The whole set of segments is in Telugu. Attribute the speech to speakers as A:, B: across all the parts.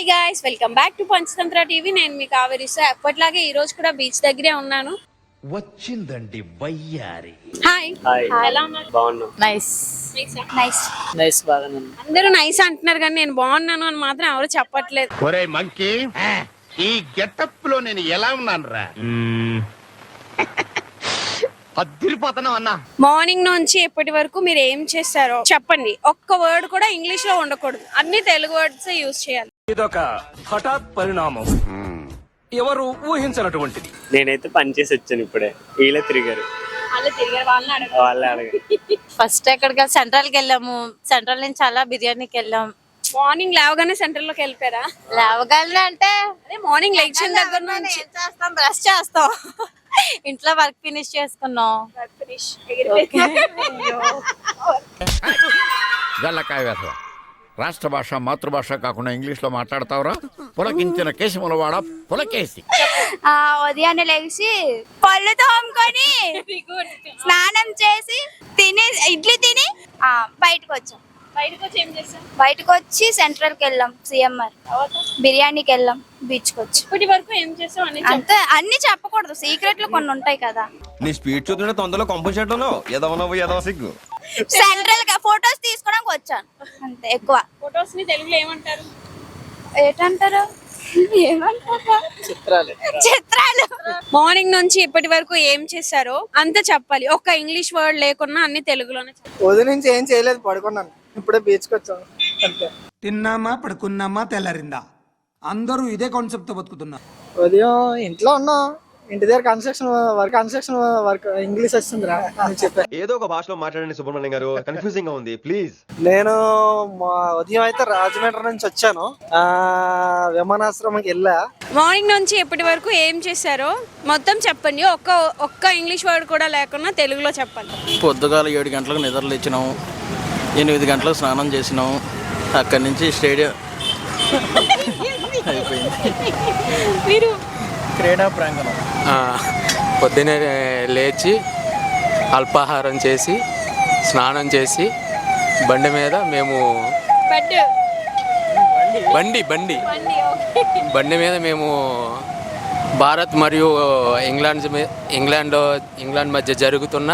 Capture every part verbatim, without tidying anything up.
A: guys, welcome back to Panchtantra T V. నేను మీ కావేరి. సో ఎప్పటిలాగే ఈ రోజు కూడా బీచ్ దగ్గరే ఉన్నాను.
B: వచ్చిందండి వయ్యారి.
A: హాయ్
C: హాయ్
A: ఎలా ఉన్నారు?
C: బాగున్నాం.
D: నైస్
A: నైస్
C: నైస్ బాగున్నాను.
A: అందరూ నైస్ అంటున్నారు కానీ నేను బాగున్నాను అని మాత్రం ఎవరు చెప్పట్లేదు.
B: ఒరే మంకీ, ఈ గెటప్ లో నేను ఎలా ఉన్నాను రా? అద్దరిపోతాను అన్నా.
A: మార్నింగ్ నుంచి ఇప్పటి వరకు మీరు ఏం చేస్తారో చెప్పండి. ఒక్క వర్డ్ కూడా ఇంగ్లీష్ లో ఉండకూడదు, అన్ని తెలుగు వర్డ్స్ యూజ్ చేయాలి.
E: ఇదొక హఠాత్ పరిణామం, ఎవరు ఊహించినటువంటిది.
C: నేనైతే పని చేసి వచ్చాను ఇప్పుడే. వీళ్ళే తిరిగారు, వాళ్ళే అడగారు.
D: ఫస్ట్ ఎక్కడికి సెంట్రల్ కి వెళ్ళాము. సెంట్రల్ నుంచి అలా బిర్యానీకి వెళ్ళాం.
A: మార్నింగ్ లేవగానే సెంటర్ లోకి వెళ్ళిపోయారా?
D: లేవగానే అంటే
A: అదే మార్నింగ్ లెక్చర్ దగ్గర నుంచి
D: ఏం చేస్తాం, బ్రష్ చేస్తాం, ఇంట్లో వర్క్ ఫినిష్ చేసుకున్నాం.
F: గల్లకాయ వేసవ రాష్ట్ర భాష మాతృభాష కాకుండా ఇంగ్లీష్ లో మాట్లాడతావురా? పులకించిన కేశముల వాడ పులకేసి.
G: ఉదయాన్నే లేచి పళ్ళు తోముకొని స్నానం చేసి తిని ఇడ్లీ తిని బయటకు వచ్చాం.
A: బయటకు వచ్చి ఏం చేస్తాం?
G: బయటకు వచ్చి సెంట్రల్ కి వెళ్ళాం, సిఎంఆర్ బిర్యానీకి వెళ్ళాం, బీచ్ కి వచ్చి.
A: ఇప్పటి వరకు ఏం చేస్తాం అని
G: అంతే, అన్ని చెప్పకూడదు, సీక్రెట్లు కొన్ని ఉంటాయి కదా.
H: నీ స్పీడ్ చూస్తుంటే తొందరలో కంపెన్సేట్లో ఎదవనవ్వు ఎదవ సిగ్గు.
G: సెంట్రల్ గా ఫొటోస్ తీసుకోవడానికి వచ్చాను అంతే. ఎక్కువ
A: ఫొటోస్ ని తెలుగులో ఏమంటారు?
G: ఏంటంటారు ఏమంటారా?
C: చిత్రాలు.
G: చిత్రాలు.
A: మార్నింగ్ నుంచి ఇప్పటి వరకు ఏం చేశారో అంత చెప్పాలి. ఒక్క ఇంగ్లీష్ వర్డ్ లేకున్నా అన్ని తెలుగులోనే.
I: ఉదయం నుంచి ఏం చేయలేదు, పడుకున్నాను. ఇప్పుడే బీచ్కి వచ్చాను అంతే.
J: తిన్నామా పడుకున్నామా తెల్లారిందా, అందరూ ఇదే కాన్సెప్ట్ తో బతుకుతున్నారు.
I: ఉదయం ఇంట్లో ఉన్నా, ఇంటి దగ్గర construction work construction work English వస్తుందిరా చెప్పా.
H: ఏదో ఒక భాషలో మాట్లాడండి సుబ్రహ్మణ్యం గారు, కన్ఫ్యూజింగ్ గా ఉంది ప్లీజ్.
I: నేను మా ఉదయం అయితే రాజమండ్రి నుంచి వచ్చాను, ఆ విమానాశ్రమంకి వెళ్ళా.
A: మార్నింగ్ నుంచి ఇప్పటి వరకు ఏం చేశారో మొత్తం చెప్పండి. ఒక్క ఒక్క ఇంగ్లీష్ వర్డ్ కూడా లేకుండా తెలుగులో చెప్పండి.
C: పొద్దుగాల ఏడు గంటలకు నిద్రలు ఇచ్చినాము, ఎనిమిది గంటలకు స్నానం చేసినాము, అక్కడి నుంచి స్టేడియం అయిపోయింది.
A: మీరు
C: క్రీడా ప్రాంగణం
K: పొద్దునే లేచి అల్పాహారం చేసి స్నానం చేసి బండి మీద మేము
A: బెడ్
K: బండి బండి బండి మీద మేము భారత్ మరియు ఇంగ్లాండ్ ఇంగ్లాండ్ ఇంగ్లాండ్ మధ్య జరుగుతున్న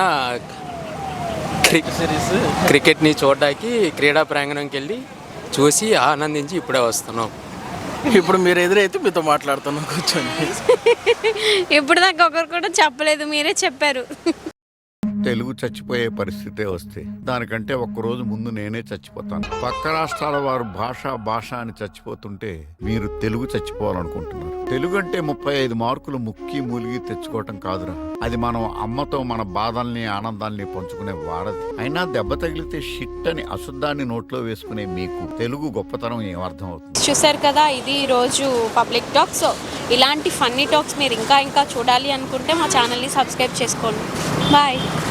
C: సిరీస్
K: క్రికెట్ని చూడడానికి క్రీడా ప్రాంగణంకి వెళ్ళి చూసి ఆనందించి ఇప్పుడే వస్తున్నాం.
C: ఇప్పుడు మీరు ఎదురైతే మీతో మాట్లాడుతున్నాం కూర్చొని.
A: ఇప్పుడు దాకా ఒకరు కూడా చెప్పలేదు, మీరే చెప్పారు.
F: తెలుగు చచ్చిపోయే పరిస్థితే వస్తే దానికంటే ఒక్కరోజు ముందు నేనే చచ్చిపోతాను. పక్క రాష్ట్రాల వారు భాష భాష అని చచ్చిపోతుంటే మీరు తెలుగు చచ్చిపోవాలనుకుంటున్నారు. తెలుగు అంటే ముప్పై ఐదు మార్కులు ముక్కి మూలిగి తెచ్చుకోవటం కాదురా, అది మనం అమ్మతో మన బాధల్ని ఆనందాల్ని పంచుకునే వారది. అయినా దెబ్బ తగిలితే షిట్ అని అశుద్ధాన్ని నోట్లో వేసుకునే మీకు తెలుగు గొప్పతనం ఏమర్థం అవుతుంది?
A: చూసారు కదా, ఇది ఈరోజు పబ్లిక్ టాక్. సో ఇలాంటి ఫన్నీ టాక్స్ మీరు ఇంకా ఇంకా చూడాలి అనుకుంటే మా ఛానల్ని సబ్స్క్రైబ్ చేసుకోండి. బాయ్.